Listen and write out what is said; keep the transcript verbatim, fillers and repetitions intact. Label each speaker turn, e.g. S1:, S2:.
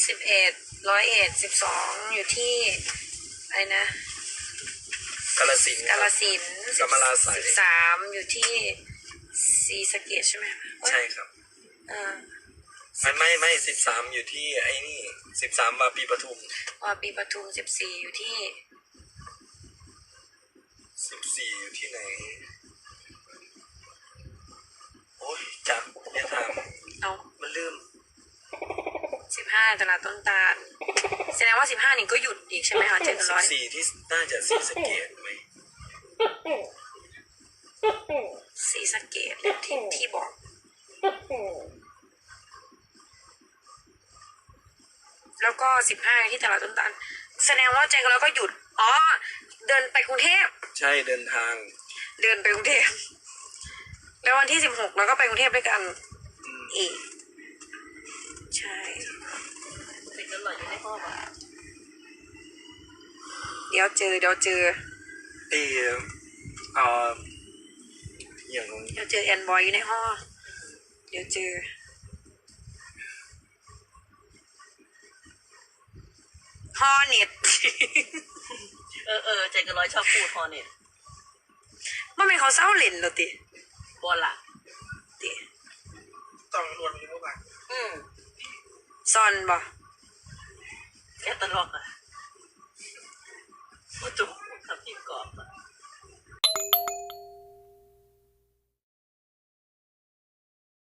S1: สิบเอ็ดร้อยเอ็ดสิบสองอยู่ที่อะไรนะ
S2: กาฬสินธุ์
S1: กาฬสินธุ์
S2: กำมะลาไสย
S1: สิบสามอยู่ที่ศรีสะเกษใช่ไหม
S2: ใช่ครับ
S1: เออ
S2: ไม่ไม่ไม่สิบสามอยู่ที่ไอ้นี่สิบสามวาปีปทุม
S1: วาปีปทุมสิบสี่อยู่ที่
S2: สิบสี่อยู่ที่ไหนโอ้ยจับเนี่ยถาม
S1: เอา
S2: มันลืม
S1: สิบห้าตลาดต้นตาลแสดงว่าสิบห้านี่ก็หยุดอีกใช่ไหมคะเจ็ด
S2: สิ
S1: ร้อบ ย
S2: สี่ที่น่าจะศรีสะเกษไหม
S1: ศรีสะเกษที่ที่บอกแล้วก็สิบห้าที่ตลาดต้นตาลแสดงว่าเจงแล้วก็หยุดอ๋อเดินไปกรุงเทพ
S2: ใช่เดินทาง
S1: เดินไปกรุงเทพแล้ววันที่สิบหกเราก็ไปกรุงเทพด้วยกัน
S2: อืม
S1: อีกใช่
S3: เด็กกันหล่อยอยู่ในห้องอ่ะ
S1: เดี๋ยวเจอเดี๋ยวเจอ
S2: เออเอ่ออย่างนั้น
S1: เดี๋ยวเจอแอนบอยอยู่ในห้องเดี๋ยวเจอฮอเน็ต
S3: เออเออใจกันร้อยชอบพูดพอเนี่ย
S1: มันเป็นเขาเศร้าเล่นเหรอติ
S3: บอลล่ะ
S1: ติ
S2: ต้องรวมอยู่เมื่อวาน
S3: อืม
S1: ซอนบ่
S3: แค่ตลกอ่ะ